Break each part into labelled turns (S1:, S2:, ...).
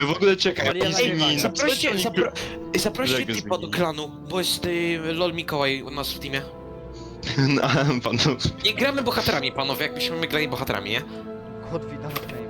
S1: W ogóle czekaj,
S2: Ale ja
S1: Easy
S2: nagrywam.
S1: Min.
S3: Zaproście
S1: Czego
S3: typa do
S1: zmieni?
S3: klanu, bo jest LOL Mikołaj u nas w teamie.
S1: No, panów.
S3: Nie gramy bohaterami, panowie, jakbyśmy my grali bohaterami, nie?
S2: Kod widać name.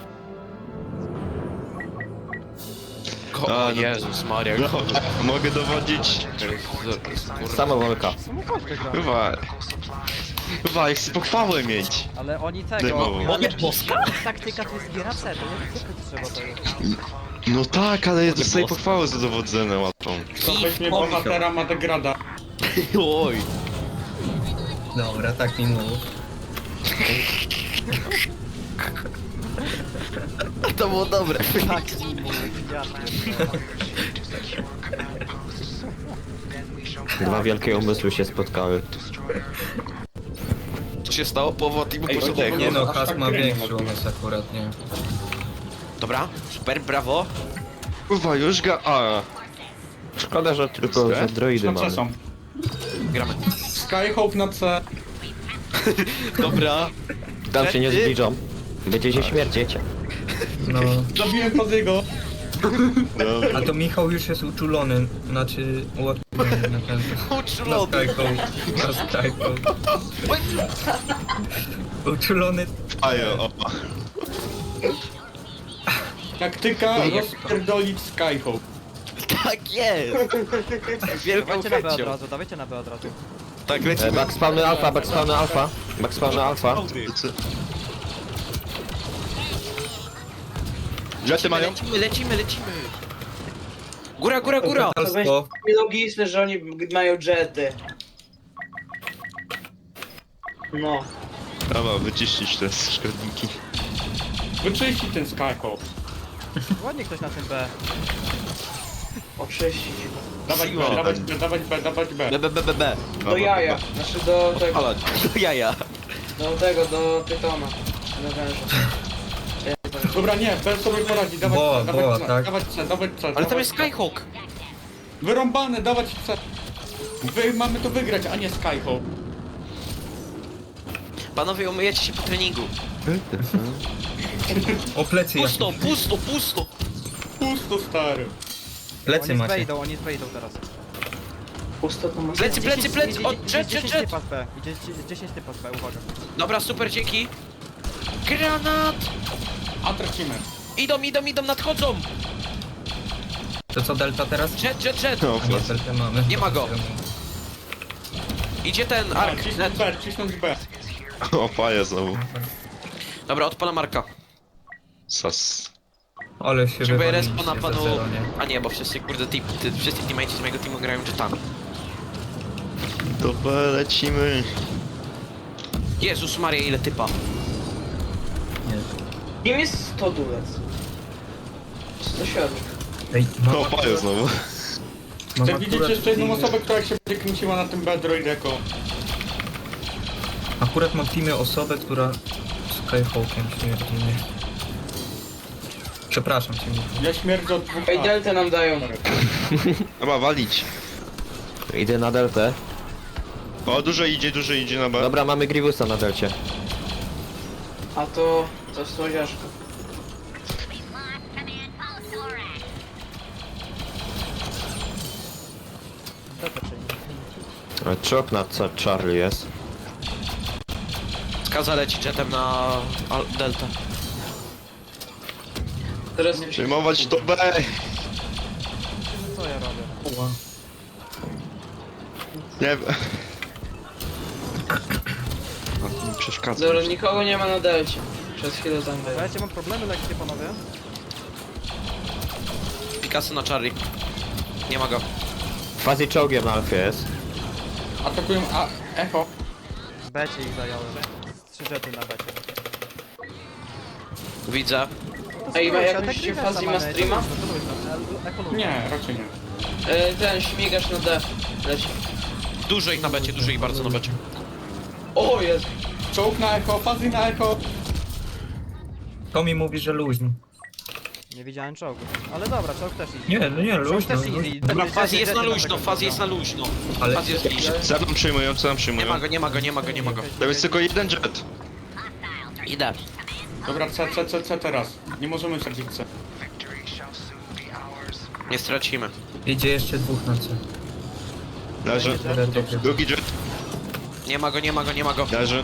S1: A,
S3: O
S1: no.
S3: Jezus Maria.
S1: No, mogę dowodzić.
S4: Samowolka.
S2: Samochodkę gra.
S1: Chyba, chcę pochwałę mieć.
S2: Ale oni
S1: Dymowo.
S2: tego...
S3: Mogę boska?
S2: Taktyka to jest giera C, to nie trzeba tego.
S1: No tak, ale ja dostaję pochwałę za dowodzenie łatwą.
S5: To weźmie bohatera Madegrada.
S3: Oj.
S6: Dobra, tak mi mów.
S3: To było dobre.
S2: Tak, ja
S4: Dwa wielkie umysły się spotkały.
S3: Co się stało? Połowa teamu
S5: Ej,
S3: poszedł.
S5: chodź,
S6: Nie no,
S5: aż
S6: Has
S5: tak
S6: ma
S5: nie
S6: większy
S5: mogę.
S6: umysł akurat, nie.
S3: Dobra, super, brawo.
S1: Kurwa, już ga... A,
S4: Szkoda, że tylko że droidy
S5: Na
S4: mamy.
S5: C są.
S3: Gramy.
S5: Skyhope na C.
S3: Dobra.
S4: Tam się nie zbliżą. Będziecie śmierdzieć.
S6: No,
S5: Zabiłem Faziego.
S1: dobra.
S6: a to Michał już jest uczulony, znaczy ułatwiony na ten... Na
S3: Uczulony.
S6: Skyhope. Na Skyhope. Uczulony...
S1: Ajo, o.
S5: Taktyka rozpierdolić Skyhope.
S3: Tak jest. Wielką
S2: Dawajcie na B od
S3: chęcią.
S2: razu, dawajcie na B od razu.
S3: Tak, lecimy.
S4: Backspawny alfa, backspawny alfa. Backspawny alfa.
S1: Jety mają?
S3: Lecimy. Góra, góra, góra.
S6: Totalstwo.
S7: Logiczne, że oni mają jety. No.
S1: Dobra, wyczyścić te szkodniki.
S5: Wyczyści ten Skyhope.
S2: Ładnie ktoś na tym B.
S7: Oczyścić.
S5: Dawać B,
S1: Siła.
S5: dawać B, dawać B, dawać B.
S3: B.
S7: Do jaja. Znaczy do tego.
S3: Ale, do jaja.
S7: Do pytona. Do węża.
S5: Dobra, nie, B sobie poradzi, dawać
S6: Boa,
S5: C, dawać
S6: boa,
S5: C,
S6: tak.
S5: dawać C, dawać C.
S3: Ale tam
S5: dawać
S3: jest
S5: C.
S3: Skyhawk.
S5: Wyrąbane, dawać C. Mamy to wygrać, a nie Skyhope.
S3: Panowie, umyjecie się po treningu.
S6: O, plecy jak...
S3: Pusto.
S5: Pusto, stary.
S6: Plecy
S2: Oni
S6: macie.
S2: wejdą teraz.
S7: Pusto to masz.
S3: Plecy, o,
S2: Idzie
S3: jet.
S2: 10 typa z B. Idzie 10 typa z B, uwaga.
S3: Dobra, super, dzięki. Granat.
S5: A tracimy.
S3: Idą, nadchodzą.
S6: To co, Delta teraz?
S3: Jet.
S1: No,
S6: A nie, Delta mamy.
S3: Nie ma go. Idzie ten
S5: A,
S3: Ark.
S5: cisnąć B, cisnąć B.
S1: o, faja znowu.
S3: Dobra, odpala Marka.
S1: Sas.
S6: Ale się
S3: Potrzebuję
S6: wywaliliście
S3: respa na
S6: za
S3: panu...
S6: zero, nie?
S3: A nie, bo wszyscy, kurde, wszyscy teammates z mojego teamu grają jetami.
S1: Dobra, lecimy.
S3: Jezus Maria, ile typa.
S7: Kim jest stodulec? 107.
S6: Ej,
S1: O, faja znowu.
S6: mam
S5: Chcę widzieć
S6: akurat
S5: jeszcze jedną
S6: teamy-
S5: osobę, która się będzie kręciła na tym B droideko.
S6: Akurat mam w teamie osobę, która Skyhawkiem śmierdzi, nie? Przepraszam cię, Michał.
S5: Ja śmierdzę od dwóch
S7: Ej,
S5: A.
S7: deltę nam dają.
S1: Dobra, walić.
S4: Idę na deltę.
S1: O, dużo idzie na B.
S4: Dobra, mamy Grievusa na delcie.
S7: A to słodziaszka.
S4: Czop na Charlie jest.
S3: Skaza leci jetem na Delta.
S7: Teraz
S1: Przejmować to B.
S2: Co ja robię?
S6: Ła.
S1: Nie wiem. A, to mi przeszkadza.
S7: Dobra, nikogo nie ma na delcie. Przez chwilę tam było.
S2: Słuchajcie, mam problemy lekkie, panowie.
S3: Picasso na Charlie. Nie ma go.
S4: Fazi czołgiem na alfie jest.
S5: Atakują A. Echo.
S2: Becie ich zająłem. 3 jety na becie.
S3: Widzę.
S7: Ej, ma
S2: Spróbuj,
S7: jakąś
S2: ale tak
S7: się
S2: Grivesa
S7: Fazi ma
S2: mamy,
S7: streama?
S2: to luźno.
S5: Nie, raczej nie.
S7: Ten śmigasz na D. Leci.
S3: Dużo ich na becie, dużo ich bardzo na becie.
S7: O, jest.
S5: Czołg na echo, Fazi na echo.
S6: To mi mówi, że luźno.
S2: Nie widziałem czołgu. Ale dobra, czołg też easy.
S6: Nie, no nie,
S2: Czołg
S6: luźno,
S2: też
S6: luźno.
S2: easy.
S3: Dobra, Fazi jest na
S2: Jety
S3: luźno,
S2: tego
S3: Fazi jest na
S2: czołga.
S3: luźno.
S6: Ale-
S3: Fazi jest bliżej.
S1: Co nam przyjmują, co nam
S3: Nie
S1: przyjmują?
S3: ma go.
S1: To jest tylko jeden jet.
S3: Idę.
S5: Dobra, C teraz. Nie możemy zabić C.
S3: Nie stracimy.
S6: Idzie jeszcze dwóch na C.
S1: Leży. Drugi jet.
S3: Nie ma go, nie ma go, nie ma go.
S1: Leży.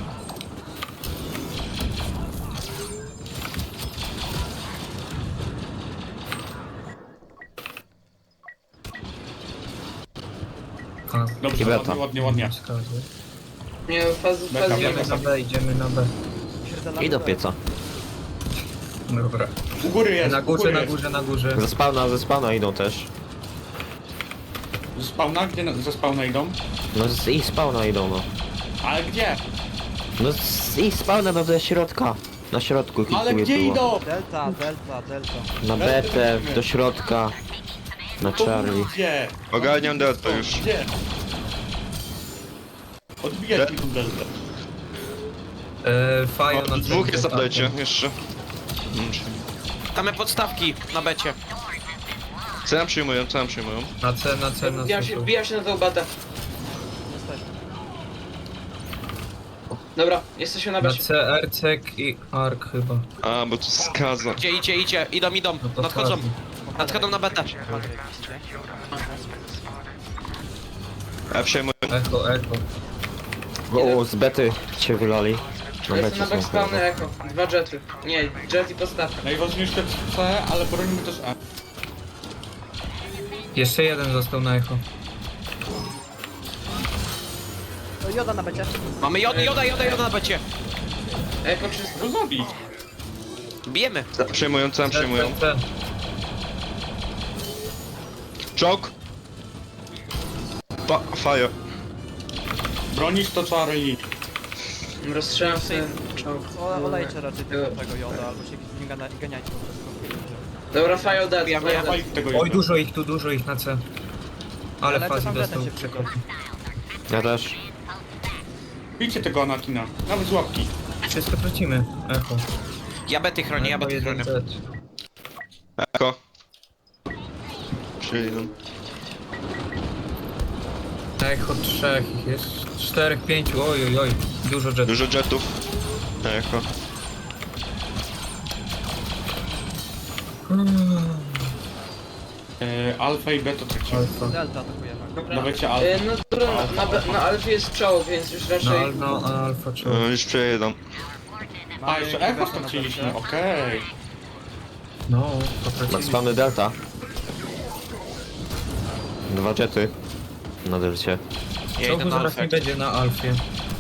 S6: A,
S5: Dobrze,
S4: I beta.
S5: ładnie.
S6: wskazy.
S7: Nie, fazy
S5: Beka,
S7: nie
S5: beka.
S6: Idziemy na B, idziemy na B.
S2: Środek
S4: I do pieca.
S6: Dobra.
S5: U góry jest,
S6: Na
S5: u góry
S6: górze, na
S5: jest.
S6: górze, na górze.
S4: Ze spawna idą też.
S5: Ze spawna? Gdzie ze spawna idą?
S4: No z ich spawna idą, no.
S5: Ale gdzie?
S4: No z ich spawna do środka. Na środku
S5: Ale
S4: kilku
S5: gdzie
S4: było.
S5: idą?
S2: Delta.
S4: Na betę, do środka. Na Charlie.
S5: Gdzie?
S1: Ogarniam delta już.
S5: Gdzie? Odbijać mi tą deltę.
S6: Fajo na
S1: O,
S6: C.
S1: dwóch jest
S6: idzie,
S1: update'cie,
S6: tak.
S1: jeszcze.
S3: Damy podstawki na becie.
S1: Co nam przyjmują, co nam przyjmują?
S6: Na C, na C, na C.
S7: Wbijam się na tą batę.
S2: Jesteśmy.
S7: Dobra, jesteśmy na
S6: Na
S7: becie.
S6: C, Ercek i Ark chyba.
S1: A, bo tu skaza.
S3: Idzie. Idą.
S6: No to
S3: Nadchodzą.
S6: Fazi.
S3: Nadchodzą na betę.
S2: Patryk idzie.
S1: A przejmują.
S6: Echo.
S4: O, z bety cię wylali. Na
S7: Jestem na
S4: becie są
S7: backspawny
S4: chyba.
S7: echo. 2 jety. Nie, jet i podstawka.
S5: Najważniejsze C, ale bronimy też E.
S6: Jeszcze jeden został na echo.
S2: O, Joda na becie.
S3: Mamy joda na becie.
S7: Echo czysto.
S5: Co zabić?
S3: Bijemy.
S1: Co nam przyjmują, co nam przyjmują?
S6: C.
S1: Czołg. Fire.
S5: Bronisz to Charlie.
S7: Rozstrzelam sobie czołg.
S2: Olejcie raczej tego Joda, albo się z nim ganiajcie po prostu.
S7: Dobra, fire dead.
S3: Ja
S7: Fire dead.
S5: Dawaj tego
S6: Oj,
S5: jednego.
S6: dużo ich na C. Ale
S2: Ale
S6: Fazi
S2: tam
S6: dostał
S2: betem się
S6: przekopi.
S4: Ja też.
S5: Bijcie tego Anakina. Nawet z łapki.
S6: Wszystko tracimy. Echo.
S3: Ja bety chronię, ja
S6: Echo
S3: bety chronię.
S6: 1Z.
S1: Eko. Przyjdą.
S6: Echo 3 ich jest. 4, 5, oj. Dużo jetów.
S1: Dużo jetów. Eko.
S5: Alfa i beta tracimy.
S6: Alfa.
S2: Delta atakujemy.
S5: Dawajcie Alfa.
S7: No dobra, na Alfie jest czołg, więc już raczej...
S6: No, Alfa 3.
S1: Już przejedą.
S5: A, jeszcze echo straciliśmy, okej.
S6: No, to
S4: Na
S6: tracili.
S4: spawny delta. 2 jety. Na delcie.
S3: Ja idę
S6: Czołgu
S3: na
S6: zaraz nie
S3: alfę.
S6: będzie na Alfie.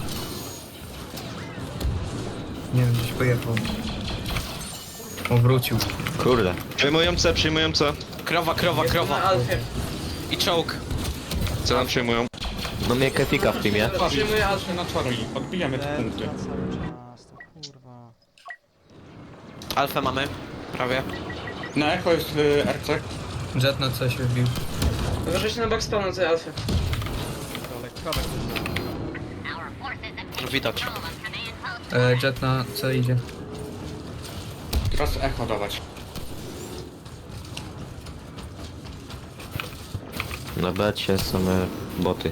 S6: Nie wiem, gdzieś pojechał. O, wrócił.
S4: Kurde.
S1: Przyjmują C, przyjmują C.
S3: Krowa.
S7: Na Alfie.
S3: I czołg.
S1: Co nam przyjmują?
S4: No mnie kefika w teamie.
S7: Przyjmuję Alfę.
S5: Patrzmy na Charlie. Odbijamy te punkty.
S2: Delta cały czas, to kurwa.
S3: Alfę mamy. Prawie.
S5: Na echo jest RC.
S6: Jet na C się wbił.
S7: Uważajcie na backspawna na tej Alfie.
S2: Krowek.
S3: Widać.
S6: Jet na C idzie.
S5: Teraz echo dawać.
S4: Na becie same boty.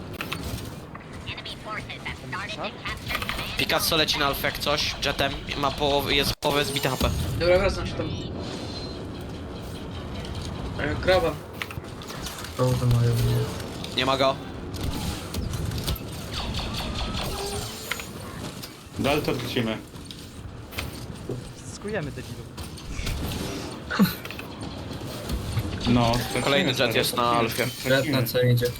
S3: Picasso leci na alfę jak coś. Jetem. Jest połowę zbite HP.
S7: Dobra, wracam się tam. Krowa.
S6: Czołgi mają.
S3: Nie ma go.
S5: Delta tracimy.
S2: Skujemy debilów.
S5: No, stracimy
S3: Kolejny jet
S5: teraz,
S3: jest na Alfie.
S6: Jet na C idzie.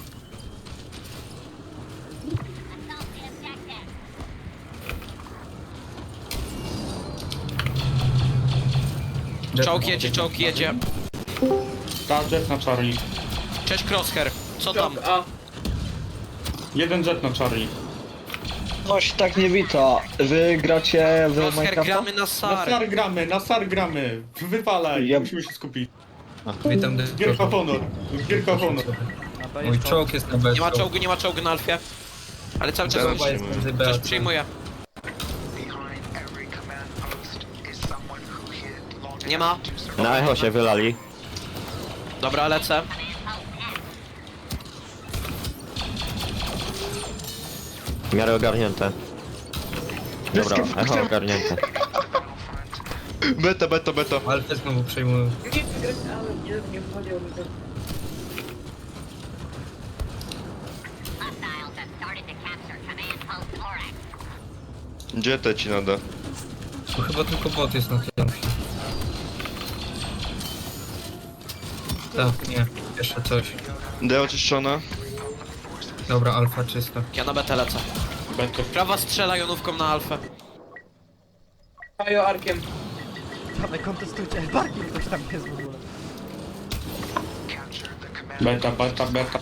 S6: Jet
S3: Czołg jedzie.
S5: Ta jet na Charlie.
S3: Cześć Crosshair. Co tam?
S7: Czołg A.
S5: Jeden jet na Charlie.
S8: Coś tak nie wita. Wy gracie w
S3: Crosshair
S8: Minecrafta?
S3: gramy na SAR.
S5: Na SAR gramy. Wywalaj,
S8: Ja-
S5: musimy się skupić.
S6: Witam
S5: Gierka honor. Gierka honor.
S2: Na B
S6: Oj,
S2: jest czołg.
S6: czołg jest na B.
S3: Nie ma czołgu na alfie. Ale cały czas
S1: Zaraz
S6: Chyba jest między B a
S3: coś
S6: C.
S3: przyjmuje. Nie ma.
S4: Na echo się wylali.
S3: Dobra, lecę.
S4: W miarę ogarnięte. Dobra, echo ogarnięte.
S1: Beta.
S6: Alfę znowu przejmują.
S7: Nie wygrałem, nie wchodziło mi to.
S1: Gdzie te ci nada?
S6: Tu chyba tylko bot jest na tym. Tak, nie. Jeszcze coś.
S1: D oczyszczona.
S6: Dobra, alfa czysta.
S3: Ja na betę lecę.
S5: Beto.
S3: Prawa strzela jonówką na alfę.
S7: Pajo arkiem.
S2: Dawaj, kontestujcie. Parking ktoś tam jest w ogóle.
S5: Beta.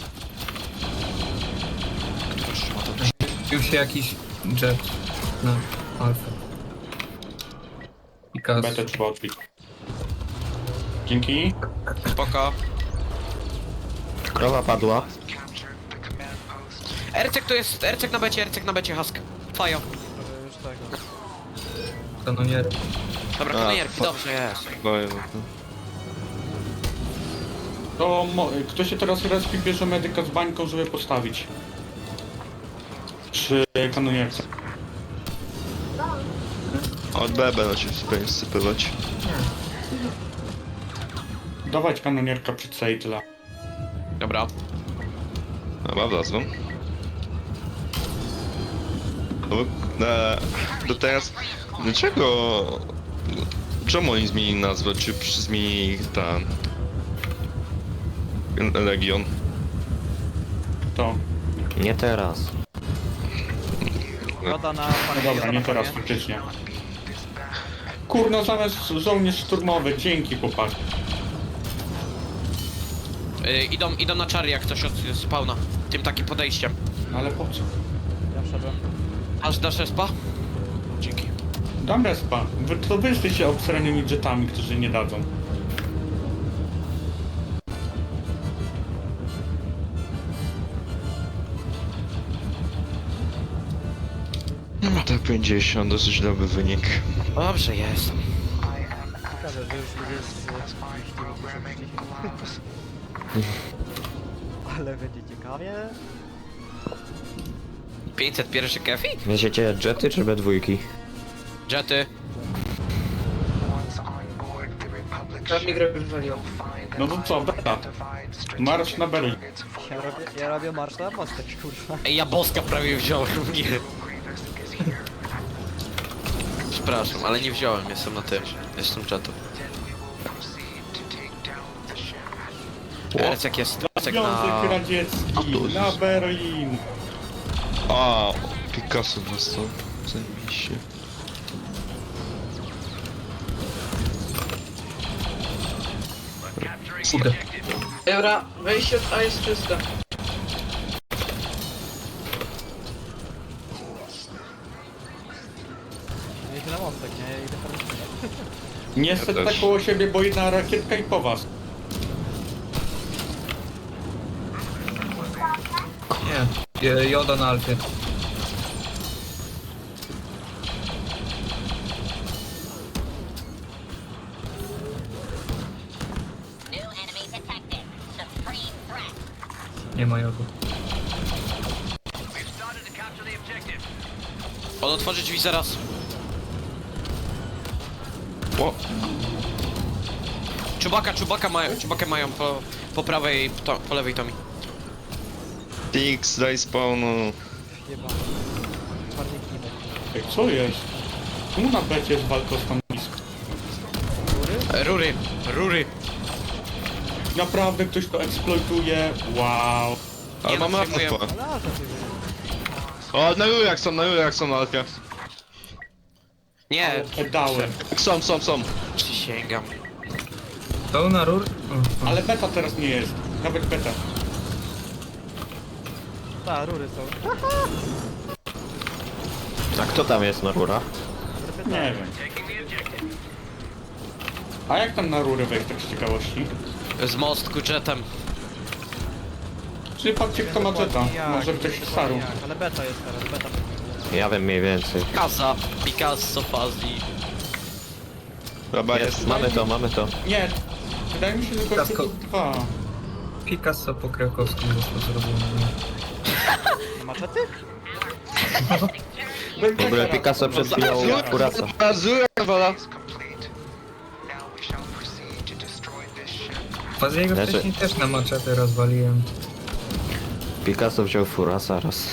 S6: Wbił się jakiś jet na alfę. I kas.
S5: Betę trzeba odbić. Dzięki.
S3: Spoko.
S4: Krowa padła.
S3: Ercek to jest, Ercek na becie, Husk. Fajo.
S2: Już tego.
S6: Kanonier.
S3: Dobra,
S1: A,
S3: kanonierki, dobrze jest.
S5: To kto się teraz respi bierze medyka z bańką, żeby postawić? Przy kanonierce.
S1: Od B będą się sypywać.
S5: Dawać kanonierka przed C i tyle.
S3: Dobra.
S1: Dobra, wlazłem. To teraz... Dlaczego... Czemu oni zmienili nazwę? Czy zmienili ten... Legion?
S5: To.
S4: Nie teraz.
S2: Woda na
S5: No
S2: panie.
S5: dobra, nie teraz faktycznie. Kurno, zamiast żołnierz szturmowy, dzięki chłopak.
S3: Idą na czary jak coś od spawna. Tym takim podejściem.
S5: Ale po co?
S2: Ja wszedłem.
S3: Aż dasz respa? Dzięki.
S5: Dam respa. To wy jesteście obsranymi jetami, którzy nie dadzą.
S1: No to 50, dosyć dobry wynik.
S3: Dobrze jest.
S2: Ciekawe, że już ludzie z... Ale będzie ciekawie.
S3: 501 kefi?
S4: Wiecie jety czy B2?
S3: Jety.
S7: Tam mi grę wywaliło.
S5: No to co, beta. Marsz na Berlin.
S2: Ja robię marsz na mostek, kurwa.
S3: Ej, ja boska prawie wziąłem, nie. Przepraszam, ale nie wziąłem, jestem na tym. Jestem czatu. Ercek jest, Ercek na...
S5: Związek Radziecki na Berlin.
S1: A, Picasso dostał. Zajebiście.
S6: Kurde.
S7: Dobra, wejście od A jest czyste.
S2: Ja idę na mostek, nie? Ja idę tam.
S5: Nie set
S1: też.
S5: tak koło siebie, bo jedna rakietka i po was.
S6: Nie. Joda na alfie. Nie ma jodu.
S3: On otworzy drzwi zaraz.
S1: O,
S3: Czubakę mają po prawej, po lewej Tomi.
S1: Tix, daj spawnu.
S2: Jeba. Czwarnik nie będzie.
S5: Ej, co jest? Czemu na becie jest walka o stanowisko?
S3: Rury.
S5: Naprawdę ktoś to eksploituje? Wow.
S1: Ale
S3: Nie, no,
S1: mamy
S3: przyjmuję.
S1: alfa.
S2: Ale aż ty
S1: O, na rurach są na alfie.
S3: Nie,
S5: Dałem.
S1: Są.
S3: przysięgam.
S6: To na rur? O,
S5: Ale beta teraz nie jest. Nawet beta.
S2: Ta, rury są.
S4: A kto tam jest na rurach?
S5: Nie wiem. A jak tam na rurę wejść, tak z ciekawości?
S3: Z mostku jetem.
S5: Czyli patrzcie kto ma jeta. Może ktoś z Saru.
S2: Ale beta jest teraz, beta.
S4: Ja wiem mniej więcej.
S3: Casa, Picasso, Fazli.
S1: Dobra,
S4: Jest, mamy to.
S5: Nie. Wydaje mi się, że gościu
S6: Ciastko.
S5: to dwa.
S6: Picasso po krakowsku został zrobiony.
S2: Nie maczety?
S4: W ogóle Picasso przed chwilą kurasa.
S1: Azura, wala.
S6: Faziego
S4: Znaczy-
S6: wcześniej też na maczetę rozwaliłem.
S4: Picasso wziął furasa raz.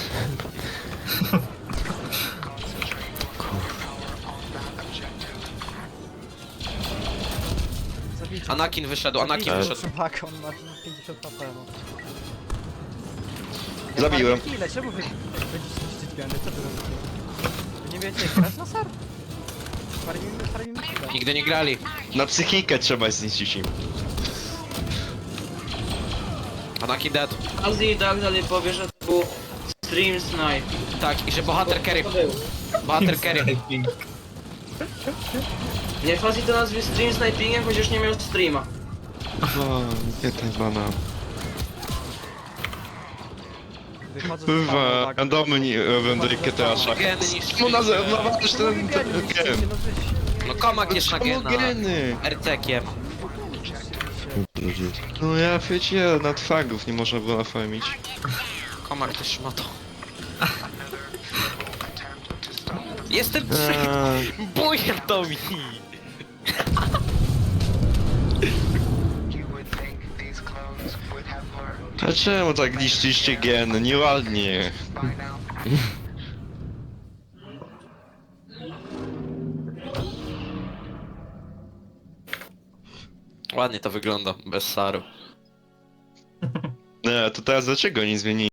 S2: Zabijcie.
S3: Anakin wyszedł, Anakin
S2: Zabijcie
S3: wyszedł.
S2: Chewbacca, on ma 50 HP, no.
S1: Zabiłem.
S2: Ile? Czemu wy będziecie niszczyć geny? Co wy robicie? Wy nie wiecie jak grać na ser? Farmimy chwilę.
S3: Nigdy nie grali.
S1: Na psychikę trzeba zniszczyć im.
S3: Anakin dead.
S7: Azji i tak dalej powie, że to był stream snipe.
S3: Tak, i że bohater carry.
S7: To był.
S3: Bohater carry.
S6: Sniping.
S7: Nie Fazji to nazwie stream snipingiem, chociaż nie miał streama.
S1: O, nie ten bana.
S2: Wychodzę z
S1: Bywa,
S2: farmy, tak.
S1: randomy nie będę GTA.
S3: Geny niż...
S1: No nawalasz
S2: Czemu wy
S1: ten
S2: geny niszczycie?
S1: gen.
S2: No wy-
S3: No komak jest na gena.
S1: Geny.
S3: RC-kiem.
S1: No ja wiecie, nad fagów nie można było nafarmić.
S3: Komak też ma to. Jestem bujem to mi.
S1: A czemu tak niszczyliście gen? Nieładnie.
S3: Ładnie to wygląda, bez saru.
S1: Nie, to teraz dlaczego nie zmienili?